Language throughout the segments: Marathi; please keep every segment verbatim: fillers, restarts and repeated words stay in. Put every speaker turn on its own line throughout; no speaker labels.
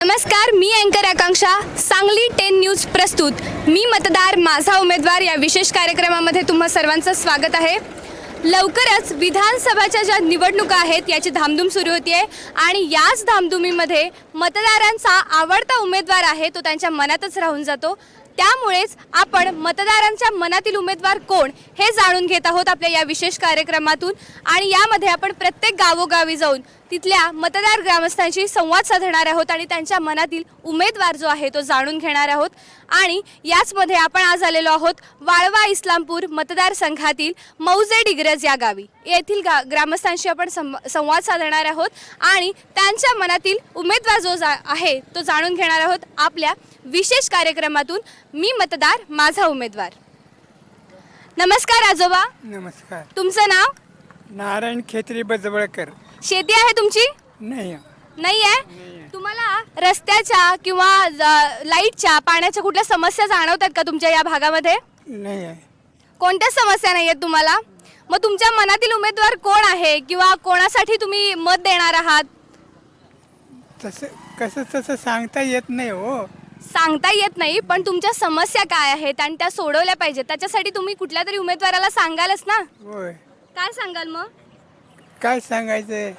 नमस्कार, मी अँकर आकांक्षा. सांगली टेन न्यूज प्रस्तुत मी मतदार माझा उमेदवार या विशेष कार्यक्रमामध्ये तुम्हा सर्वांचं स्वागत आहे. लवकरच विधानसभाच्या ज्या निवडणुका आहेत याची धामधूम सुरू होती आहे आणि याच धामधुमीमध्ये मतदारांचा आवडता उमेदवार आहे तो त्यांच्या मनातच राहून जातो. त्यामुळेच आपण मतदारांच्या मनातील उमेदवार कोण हे जाणून घेत आहोत आपल्या या विशेष कार्यक्रमातून. आणि यामध्ये आपण प्रत्येक गावोगावी जाऊन तिथल्या मतदार ग्रामस्थांशी संवाद साधणार आहोत आणि त्यांच्या मनातील उमेदवार जो आहे तो जाणून घेणार आहोत. आणि याचमध्ये आपण आज आलेलो आहोत वाळवा इस्लामपूर मतदारसंघातील मौजे डिग्रज या गावी. येथील गा ग्रामस्थांशी आपण संवाद साधणार आहोत आणि त्यांच्या मनातील उमेदवार जो जा आहे तो जाणून घेणार आहोत आपल्या विशेष कार्यक्रमातून मी मतदार माझा उमेदवार. नमस्कार आजोबा.
नमस्कार.
तुमचं नाव?
नारायण खेत्री बजवळकर.
शेती आहे तुमची?
नाही.
नाही आहे. तुम्हाला रस्त्याच्या किंवा लाईटच्या पाण्याच्या कुठल्या समस्या जाणवतात का तुमच्या या भागामध्ये?
नाही आहे.
कोणत्या समस्या नाही आहेत तुम्हाला? मग तुमच्या मनातील उमेदवार कोण आहे किंवा कोणासाठी तुम्ही मत देणार आहात?
तसं कसं तसं सांगता येत नाही हो.
सांगता येत नाही, पण तुमच्या समस्या काय आहेत आणि त्या सोडवल्या पाहिजेत त्याच्यासाठी तुम्ही कुठल्या तरी उमेदवाराला सांगालच ना.
होय.
काय सांगाल मग?
काय सांगायचं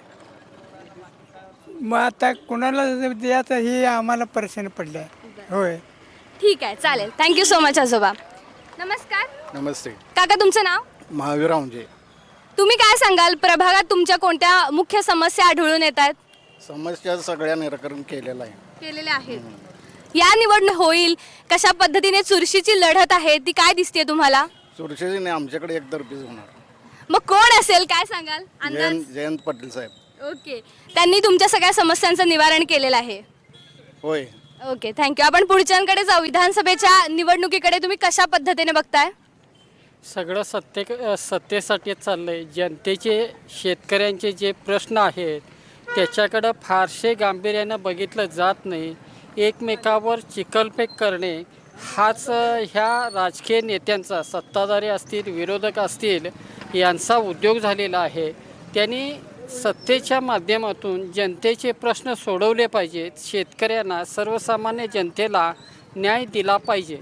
मग आता कुणाला द्यायचं हे आम्हाला प्रश्न पडलाय. होय.
ठीक आहे, चालेल. थँक्यू सो मच आजोबा. नमस्कार.
नमस्ते.
काका तुमचं नाव?
महावीर रावजे.
तुम्ही काय सांगाल, प्रभागात तुमच्या कोणत्या मुख्य समस्या आढळून येत आहेत?
समस्या सगळ्या निराकरण केलेलं आहे.
केलेल्या आहेत. या निवडणूक होईल कशा पद्धतीने चुरशीची लढत आहे ती काय दिसते तुम्हाला?
चुरशीची नाही, आमच्याकडे एकतर्फीच होणार.
मग कोण असेल काय सांगाल?
जयंत जयंत पाटील साहेब.
ओके, त्यांनी तुमच्या सगळ्या समस्यांचं निवारण केलेलं आहे.
होय.
Okay, thank you. आपण पुढच्यांकडे जाऊ. विधानसभेच्या निवडणुकीकडे तुम्ही कशा पद्धतीने बघताय?
सगळं सत्ते सत्तेसाठी चाललंय. जनतेचे शेतकऱ्यांचे जे प्रश्न आहेत त्याच्याकडं फारसे गांभीर्यानं बघितलं जात नाही. एकमेकावर चिखलफेक करणे हाच ह्या राजकीय नेत्यांचा, सत्ताधारी असतील विरोधक असतील, यांचा उद्योग झालेला आहे. त्यांनी सत्तेच्या माध्यमातून जनतेचे प्रश्न सोडवले पाहिजेत. शेतकऱ्यांना, सर्वसामान्य जनतेला न्याय दिला पाहिजे.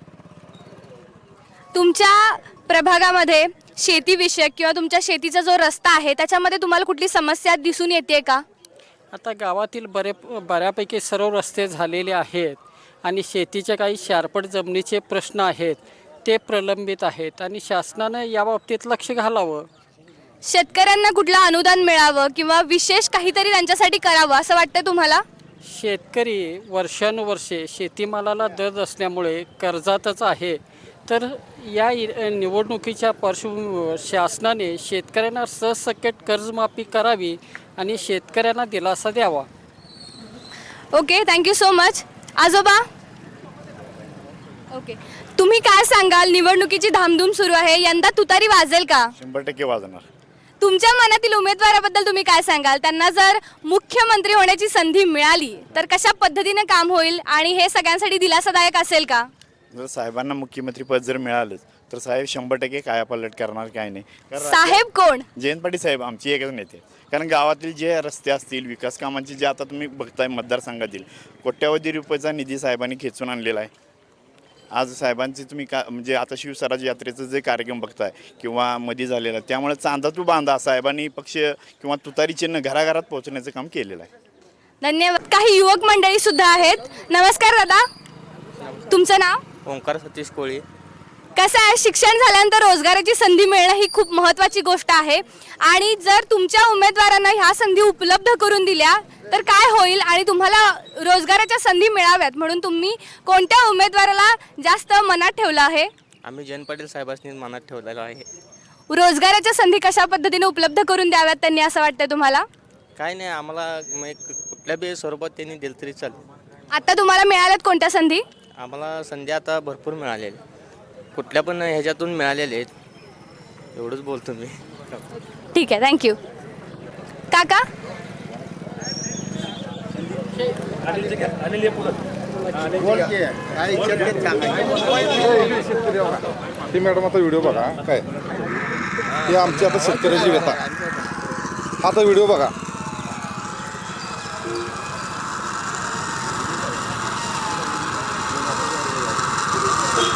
तुमच्या प्रभागामध्ये शेतीविषयक किंवा तुमच्या शेतीचा जो रस्ता आहे त्याच्यामध्ये तुम्हाला कुठली समस्या दिसून येते का?
आता गावातील बरे बऱ्यापैकी सर्व रस्ते झालेले आहेत आणि शेतीचे काही शारपट जमिनीचे प्रश्न आहेत ते प्रलंबित आहेत आणि शासनानं याबाबतीत लक्ष घालावं.
शेतकऱ्यांना कुठलं अनुदान मिळावं किंवा विशेष काहीतरी त्यांच्यासाठी करावं असं वाटतं तुम्हाला?
शेतकरी वर्षानुवर्षे शेतीमालाला दर असल्यामुळे कर्जातच आहे. तर या निवडणुकीच्या पार्श्वभूमीवर शासनाने शेतकऱ्यांना सहसकट कर्जमाफी करावी आणि शेतकऱ्यांना दिलासा द्यावा.
Okay, thank you so much. आजोबा. ओके, तुम्ही काय सांगाल? निवडणुकीची धामधूम सुरू आहे, यंदा तुतारी वाजेल का?
शंभर टक्के वाजणार.
तुमच्या मनातील उमेदवाराबद्दल तुम्ही काय सांगाल? त्यांना जर मुख्यमंत्री होण्याची संधी मिळाली तर कशा पद्धतीने काम होईल आणि हे सगळ्यांसाठी दिलासादायक असेल का?
जर साहेबांना मुख्यमंत्री पद जर मिळालं तर साहेब शंभर टक्के कायापालट करणार काय नाही.
साहेब कोण?
जयंत पाटील साहेब आमची एकच नेते. कारण गावातील जे रस्ते असतील, विकास कामांचे जे आता तुम्ही बघताय मतदारसंघातील कोट्यावधी रुपयाचा निधी साहेबांनी खेचून आणलेला आहे. आज साहेबांचे तुम्ही का म्हणजे आता शिवस्वराज यात्रेचं जे कार्यक्रम बघताय किंवा मध्ये झालेला, त्यामुळे चांदा तू बांधा साहेबांनी पक्ष किंवा तुतारी चिन्ह घराघरात पोहोचण्याचं काम केलेलं आहे.
धन्यवाद. काही युवक मंडळी सुद्धा आहेत. नमस्कार दादा, तुमचं नाव?
ओंकार सतीश कोळी.
कसं आहे, शिक्षण झाल्यानंतर रोजगाराची संधी मिळणं ही खूप महत्त्वाची गोष्ट आहे आणि जर तुमच्या उमेदवारांना ह्या संधी उपलब्ध करून दिल्या तर काय होईल आणि तुम्हाला रोजगाराच्या संधी मिळाव्यात म्हणून तुम्ही कोणत्या उमेदवाराला जास्त मनात ठेवलं आहे?
आम्ही जयंत पाटील साहेबांनी मनात ठेवलेलं आहे.
रोजगाराच्या संधी कशा पद्धतीने उपलब्ध करून द्याव्यात त्यांनी असं वाटतं तुम्हाला?
काय नाही, आम्हाला कुठल्या बी स्वरूपात त्यांनी दिलं तरी चालेल.
आता तुम्हाला मिळाल्यात कोणत्या संधी?
आम्हाला संधी आता भरपूर मिळालेली, कुठल्या पण ह्याच्यातून मिळालेले आहेत. एवढंच बोलतो मी.
ठीक आहे, थँक्यू. काका.
ती मॅडम आता व्हिडिओ बघा. काय हे आमची आता शेतकऱ्याची व्यथा. आता व्हिडिओ बघा.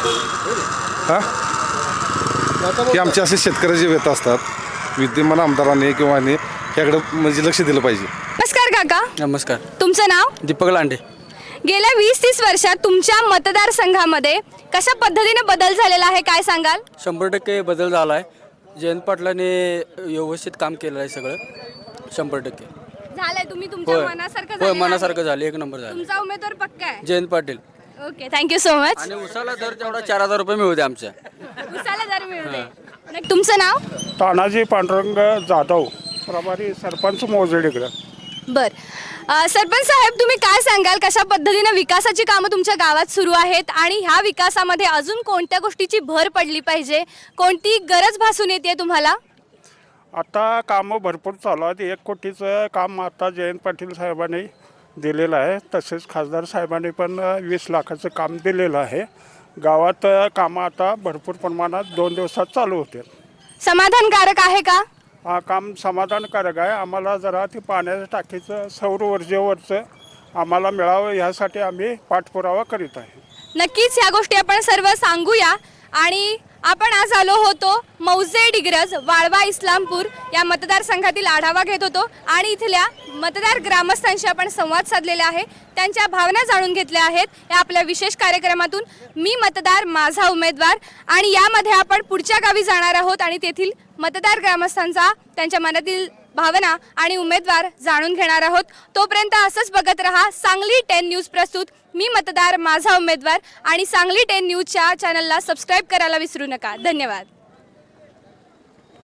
हां की आमचे असे शेतकरी जे व्यथा असतात विद्यमान आमदारांनी किंवा ह्याने ह्याकडं म्हणजे लक्ष दिलं पाहिजे.
नमस्कार काका,
नमस्कार.
तुमचं नाव?
दीपक लांडे.
गेल्या वीस तीस वर्षात तुमच्या मतदारसंघामध्ये कशा पद्धतीने बदल झालेला आहे, काय सांगाल?
शंभर टक्के बदल झाला आहे. जयंत पाटलाने व्यवस्थित काम केलं आहे सगळं. शंभर टक्के
झालंय. तुम्ही तुमच्या
होय
मनासारखं
होय
झालेलं
मनासारखं
आहे.
झालं. एक नंबर झालं.
तुमचा उमेदवार पक्का आहे?
Jayant Patil.
Okay, thank you so much.
आणि उसाला दर तेवढा चार हजार रुपये मिळू दे आमच्या.
उसाला दर मिळते. नक्की. तुमचं नाव?
तानाजी पांडुरंग जाधव, प्रभारी सरपंच मोजडेकडं.
बर. अ, सरपंच साहेब, तुम्ही काय सांगाल, कशा पद्धतीने विकासाची कामं तुमच्या गावात सुरू आहेत आणि ह्या विकासामध्ये अजून कोणत्या गोष्टीची भर पडली पाहिजे, कोणती गरज भासून येते तुम्हाला?
आता कामं भरपूर चालू आहेत. एक कोटीचं काम आता जयंत पाटील साहेबांनी दिलेलं आहे. तसेच खासदार साहेबांनी पण वीस लाखाचं काम दिलेलं आहे. गावात कामं आता भरपूर प्रमाणात दोन दिवसात चालू होते.
समाधानकारक आहे का?
हा काम समाधानकारक आहे. आम्हाला जरा ते पाण्याच्या टाकीचं सौर ऊर्जेवरचं आम्हाला मिळावं यासाठी आम्ही पाठपुरावा करीत आहे.
नक्कीच ह्या गोष्टी आपण सर्व सांगूया. आणि आपण आज आलो होतो मौजे डिग्रज वाळवा इस्लामपूर या मतदारसंघातील आढावा घेत होतो आणि इथल्या मतदार ग्रामस्थांशी आपण संवाद साधलेला आहे, त्यांच्या भावना जाणून घेतल्या आहेत या आपल्या विशेष कार्यक्रमातून. मी मतदार माझा उमेदवार, आणि यामध्ये आपण पुढच्या गावी जाणार आहोत आणि तेथील मतदार ग्रामस्थांचा, त्यांच्या मनातील भावना आणि उमेदवार जाणून घेणार आहोत. तोपर्यंत असंच बघत रहा सांगली टेन न्यूज प्रस्तुत मी मतदार माझा उमेदवार, आणि सांगली टेन न्यूजच्या चॅनलला सबस्क्राईब करायला विसरू नका. धन्यवाद.